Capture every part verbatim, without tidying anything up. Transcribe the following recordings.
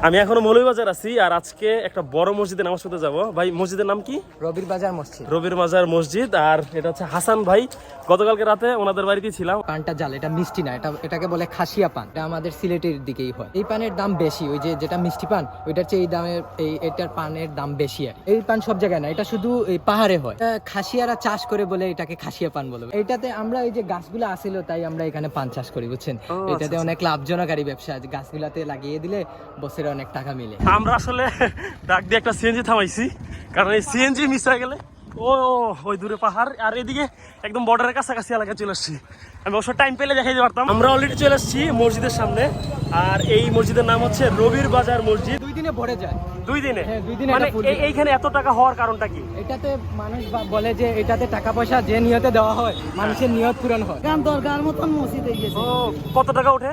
আমি এখনো মৌলভীবাজার আছি আর আজকে একটা বড় মসজিদে নামাজ পড়তে যাবো। ভাই মসজিদের নাম কি? রবির বাজার মসজিদ। রবির বাজার মসজিদ। আর এটা হচ্ছে হাসান ভাই, গতকালকে রাতে ওনাদের বাড়িতে ছিলাম। পানটা জাল, এটা মিষ্টি না, এটা এটাকে বলে খাসিয়া পান। এটা আমাদের সিলেটের দিকেই হয়। এই পানের দাম বেশি, ওই যে যেটা মিষ্টি পান ওইটার চেয়ে এই দামের এই এটার পানের দাম বেশি। আর এই পান সব জায়গায় না, এটা শুধু এই পাহাড়ে হয়। খাসিয়ারা চাষ করে বলে এটাকে খাসিয়া পান বলে। এইটাতে আমরা এই যে গাছগুলো আসিল তাই আমরা এখানে পান চাষ করি, বুঝছেন? এটাতে অনেক লাভজনককারী ব্যবসা, গাছগুলাতে লাগিয়ে দিলে বছরে অনেক টাকা মিলে। আমরা আসলে ডাক দিয়ে একটা সিএনজি থামাইছি, কারণ এই সিএনজি মিস হয়ে গেলে ও ওই দূরে পাহাড় আর এদিকে একদম বর্ডারের কাছাকাছি এলাকায় চলে আসছি। আমি অবশ্য টাইম পেলে দেখাই দিতে পারতাম। আমরা অলরেডি চলে আসছি মসজিদের সামনে, আর এই মসজিদের নাম হচ্ছে রবির বাজার মসজিদ। দুই দিনে ভরে যায়। দুই দিনে? হ্যাঁ, দুই দিনে। মানে এইখানে এত টাকা হওয়ার কারণটা কি? এটাতে মানুষ বলে যে এটাতে টাকা পয়সা যে নিয়তে দেওয়া হয় মানুষের নিয়ত পূরণ হয়। গান দরকার মতন মসজিদ হয়ে গেছে। ও কত টাকা ওঠে?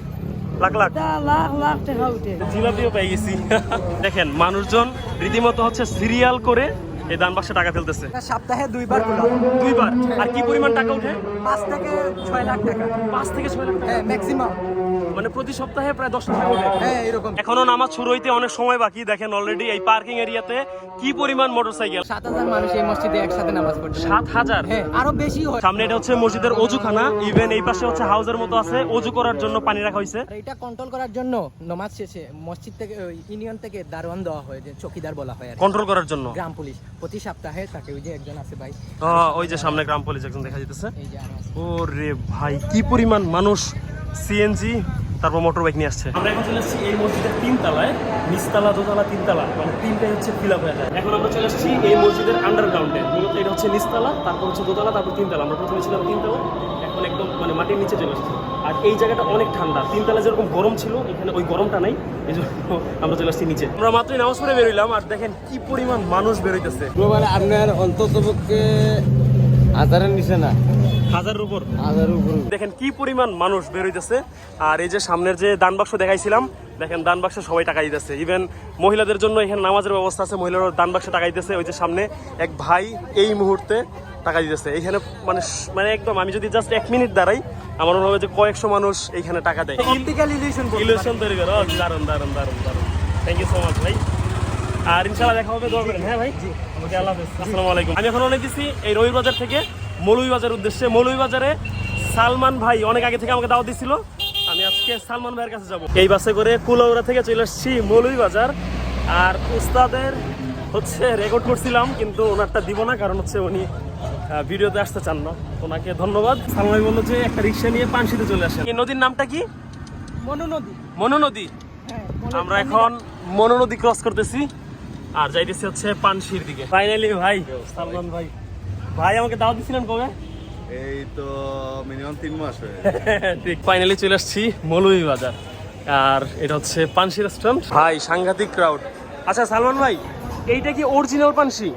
লাখ লাখ লাখ লাখ টাকা উঠে। জিলাপিও পেয়ে গেছি। দেখেন মানুষজন রীতিমতো হচ্ছে সিরিয়াল করে এই দান বাক্সে টাকা ফেলতেছে। সপ্তাহে দুইবার দুইবার। আর কি পরিমাণ টাকা উঠে? পাঁচ থেকে ছয় লাখ টাকা। পাঁচ থেকে ছয় লাখ টাকা? হ্যাঁ, ম্যাক্সিমাম। মানে প্রতি সপ্তাহে প্রায় দশ টাকা উঠে। হ্যাঁ, এরকম। এখনো নামাজ শুরু হইতে অনেক সময় বাকি। দেখেন অলরেডি এই পার্কিং এরিয়াতে কি পরিমাণ মোটরসাইকেল। সাত হাজার মানুষ এই মসজিদে একসাথে নামাজ পড়ছে। সাত হাজার? হ্যাঁ, আরো বেশি হয়। সামনে এটা হচ্ছে মসজিদের অজুখানা, ইভেন এই পাশে হচ্ছে হাউসের মতো আছে, অজু করার জন্য পানি রাখা হয়েছে। আর এটা কন্ট্রোল করার জন্য নামাজ শেষে মসজিদ থেকে ইউনিয়ন থেকে দারোয়ান দেওয়া হয়, যে চৌকিদার বলা হয় আর কন্ট্রোল করার জন্য। গ্রাম পুলিশ প্রতি সপ্তাহে থাকে। ওই যে একজন আছে ভাই, ওই যে সামনে গ্রাম পুলিশ একজন দেখা যাইতেছে। এই যে আরো আছে। ওরে ভাই কি পরিমাণ মানুষ, সিএনজি তারপর মোটর বাইক নিয়ে আসছে। আমরা এখন চলে আসছি এই মসজিদের তিন তলায়, নিচতলা দোতলা তিনতলা, মানে তিনটাই হচ্ছে ফিল আপ হয়ে যায়। এখন আমরা চলে আসছি এই মসজিদের আন্ডারগ্রাউন্ডে। মূলত এটা হচ্ছে নিচতলা, তারপর হচ্ছে দোতলা, তারপর তিনতলা। আমরা প্রথমে ছিলাম তিনতলা, এখন একদম মানে মাটির নিচে চলে আসছি। আর এই জায়গাটা অনেক ঠান্ডা। তিনতলা যেরকম গরম ছিল এখানে ওই গরমটা নাই, এই জন্য আমরা চলে আসছি নিচে। আমরা মাত্রই নামাজ পড়ে বেরোইলাম আর দেখেন কি পরিমাণ মানুষ বেরোইতেছে। আপনার অন্ততপক্ষে হাজারের নিচে না, হাজারের উপর। হাজারের উপর। দেখেন কি পরিমাণ মানুষ বের হইতেছে। আর এই যে সামনের যে দান বাক্স দেখাইছিলাম, দেখেন দান বাক্সে সবাই টাকা দিতেছে। ইভেন মহিলাদের জন্য এখানে নামাজের ব্যবস্থা আছে, মহিলারা দান বাক্সে টাকা দিতেছে। ওই যে সামনে এক ভাই এই মুহূর্তে টাকা দিতেছে এখানে। মানে মানে একদম আমি যদি জাস্ট এক মিনিট দাঁড়াই আমার মনে হবে যে কয়েকশো মানুষ এইখানে টাকা দেয়। অপটিক্যাল ইলিউশন ইলিউশন তৈরি করে। দারুন দারুন দারুন দারুন। থ্যাংক ইউ সো মাচ ভাই। আর ইনশাআল্লাহ দেখা হবে, দোয়া করেন। হ্যাঁ ভাই, জি ওকে, আল্লাহ হাফেজ, আসসালামু আলাইকুম। আমি এখন অনেক দিছি এই রবির বাজার থেকে মৌলভীবাজার উদ্দেশ্যে। মৌলভীবাজারে সালমান ভাই অনেক আগে থেকে আমাকে দাওয়াত দিছিল, আমি আজকে সালমান ভাইয়ের কাছে যাব। এই বাসে করে কুলাউড়া থেকে চলে আসছি মৌলভীবাজার। আর উস্তাদের হচ্ছে রেকর্ড করছিলাম, কিন্তু ওনারটা দিব না, কারণ হচ্ছে উনি ভিডিওতে আসতে চান না। ওনাকে ধন্যবাদ। সালমান ভাই বললো যে একটা রিক্সা নিয়ে পানশিতে চলে আসেন। এই নদীর নামটা কি? মনু নদী। মনু নদী। আমরা এখন মনু নদী ক্রস করতেছি আর যাইতেছি হচ্ছে পানশির দিকে। ফাইনালি ভাই সালমান ভাই, ভাই আমাকে দাওয়াত দিছিলেন কবে? এই তো মিনিমাম তিন মাস হয়ে ঠিক। ফাইনালি চলে আসছি মৌলভীবাজার আর এটা হচ্ছে পানশি রেস্টুরেন্ট। ভাই সাংঘাতিক ক্রাউড। আচ্ছা সালমান ভাই, এইটা কি অরিজিনাল পানশি?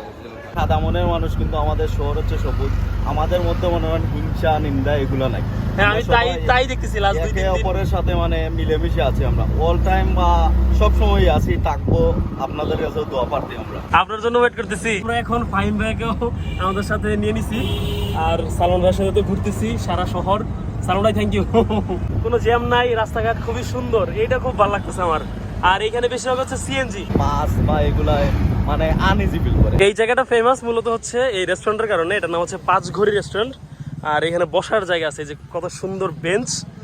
সাদা মনের মানুষ, কিন্তু আমাদের শহর হচ্ছে সবুজ। আমাদের মধ্যে মনে হয় হিংসা নিন্দা এগুলো নাই। হ্যাঁ, আমি তাই তাই দেখতেছি লাস্ট দুই একে তিন দিন। অপরের সাথে মানে মিলেমিশে আছি আমরা, অল টাইম বা সব সময় আছি, থাকবো। আপনাদের কাছেও দোয়া প্রার্থী আমরা। আপনার জন্য ওয়েট করতেছি। আমরা এখন ফাহিম ভাইকেও আমাদের সাথে নিয়ে নিছি আর সালমান ভাইয়ের সাথে তো ঘুরতেছি সারা শহর। সালমান ভাই থ্যাংক ইউ। কোনো জ্যাম নাই, রাস্তাঘাট খুবই সুন্দর, এইটা খুব ভালো লাগতেছে আমার। আর এখানে বেশিরভাগ হচ্ছে সিএনজি বাস বা এগুলা মানে আনইজি ফিল করে। এই জায়গাটা ফেমাস মূলত হচ্ছে এই রেস্টুরেন্টের কারণে। এটার নাম হচ্ছে পাঁচ ঘড়ি রেস্টুরেন্ট। আর এখানে বসার জায়গা আছে, যে কত সুন্দর বেঞ্চ।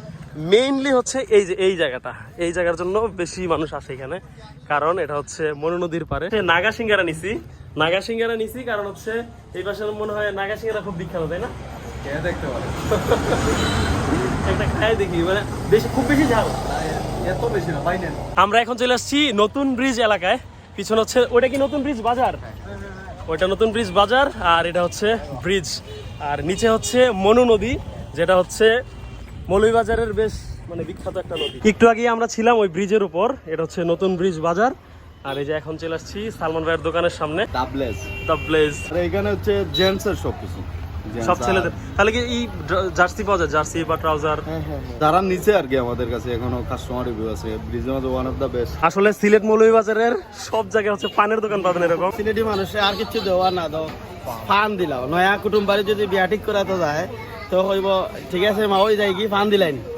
মেইনলি হচ্ছে এই যে এই জায়গাটা, এই জায়গার জন্য বেশি মানুষ আসে এখানে, কারণ এটা হচ্ছে মনু নদীর পারে। নাগা সিঙ্গারা নিছি, নাগা সিঙ্গারা নিছি কারণ হচ্ছে এই পাশে মনে হয় নাগা সিঙ্গারা খুব বিখ্যাত, তাই না? খেয়ে দেখতে পারে, একটা খাই দেখি, মানে বেশি খুব বেশি ঝাল, এত বেশি না ভাই। আমরা এখন চলে আসছি নতুন ব্রিজ এলাকায়। পিছনে হচ্ছে ওটা কি নতুন ব্রিজ বাজার? ওইটা নতুন ব্রিজ বাজার আর এটা হচ্ছে ব্রিজ। আর নিচে হচ্ছে মনু নদী, যেটা হচ্ছে মৌলভীবাজারের বেশ মানে বিখ্যাত একটা নদী। একটু আগে আমরা ছিলাম ওই ব্রিজের উপর, এটা হচ্ছে নতুন ব্রিজ বাজার। আর এই যে এখন চলে আসছি সালমান ভাইয়ের দোকানের সামনে, ডাবলেস দ্য ব্লেজ। আর এখানে হচ্ছে জেন্টস এর সবকিছু, সব ছেলেদের। তাহলে কি এই জার্সি পাওয়া যায়, জার্সি বা ট্রাউজার? যারা নিচে আর কি আমাদের কাছে এখনো কাস্টমার রিভিউ আছে। ব্রিজের মধ্যে ওয়ান অফ দ্য বেস্ট। আসলে সিলেট মৌলভীবাজারের সব জায়গায় হচ্ছে পানের দোকান পাবেন এরকম। সিলেটি মানুষে আর কিছু দেওয়া না দাও, ফান দিলাও। নয়া কুটুম বাড়ি যদি বিয়া ঠিক করাতে যায় তো কইব ঠিক আছে মা, ওই যাই কি ফান দিলেন।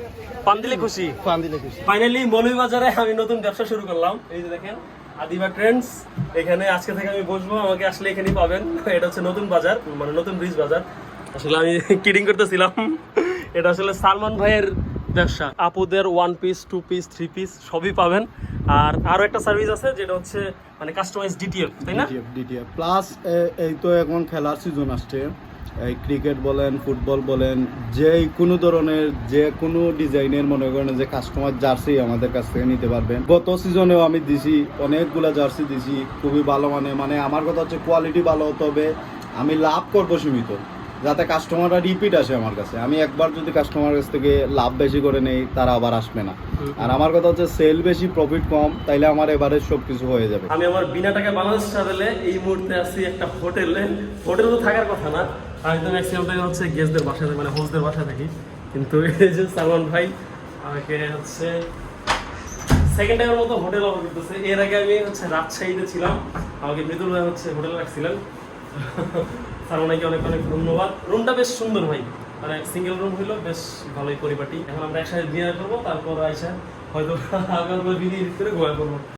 পান দিলে খুশি। পান দিলে খুশি। ফাইনালি মৌলভীবাজারে আমি নতুন ব্যবসা শুরু করলাম। এই যে দেখেন আদিবা ট্রেন্ডস, এখানে আজকে থেকে আমি বসবো, আমাকে আসলে এখানেই পাবেন। এটা হচ্ছে নতুন বাজার, মানে নতুন ব্রিজ বাজার। আসলে আমি কিডিং করতেছিলাম, এটা আসলে সালমান ভাইয়ের ব্যবসা। আপুদের one piece, two piece, three piece সবই পাবেন। আর আরো একটা সার্ভিস আছে যেটা হচ্ছে মানে কাস্টমাইজ ডিটিএফ, তাই না? ডিটিএফ ডিটিএফ প্লাস এই তো এখন খেলার সিজন আসছে, এই ক্রিকেট বলেন, ফুটবল বলেন, যে কোনো ধরনের যে কোনো ডিজাইনের মনে করেন যে কাস্টমার জার্সি আমাদের কাছ থেকে নিতে পারবেন। গত সিজনেও আমি দিছি অনেকগুলা জার্সি দিছি, খুবই ভালো। মানে মানে আমার কথা হচ্ছে কোয়ালিটি ভালো হতে হবে, আমি লাভ করবো সীমিত, যাতে কাস্টমাররা রিপিট আসে আমার কাছে। আমি একবার যদি কাস্টমার কাছ থেকে লাভ বেশি করে নেই, তারা আবার আসবে না। আর আমার কথা হচ্ছে সেল বেশি প্রফিট কম, তাইলে আমার এবারে সব কিছু হয়ে যাবে। আমি আমার বিনা টাকা বাংলাদেশ ট্রাভেলে এই মুহূর্তে আছি একটা হোটেলে। হোটেলে তো থাকার কথা না, আমি তো ম্যাক্সিমাম টাইম হচ্ছে গেস্টদের বাসায়, মানে হোস্টদের বাসায় থাকি। কিন্তু এই যে সালমান ভাই আমাকে হচ্ছে সেকেন্ড টাইমের মতো হোটেল অফার করতেছে। এর আগে আমি হচ্ছে রাজশাহীতে ছিলাম, আমাকে মৃদুল ভাই হচ্ছে হোটেলে রাখছিলেন। সালমান ভাইকে অনেক অনেক ধন্যবাদ। রুমটা বেশ সুন্দর ভাই, মানে সিঙ্গেল রুম হইলো, বেশ ভালোই পরিপাটি। এখন আমরা একসাথে ডিনার করবো, তারপর আইসা হয়তো আগামী ভিডিও করে ঘুমায় করবো।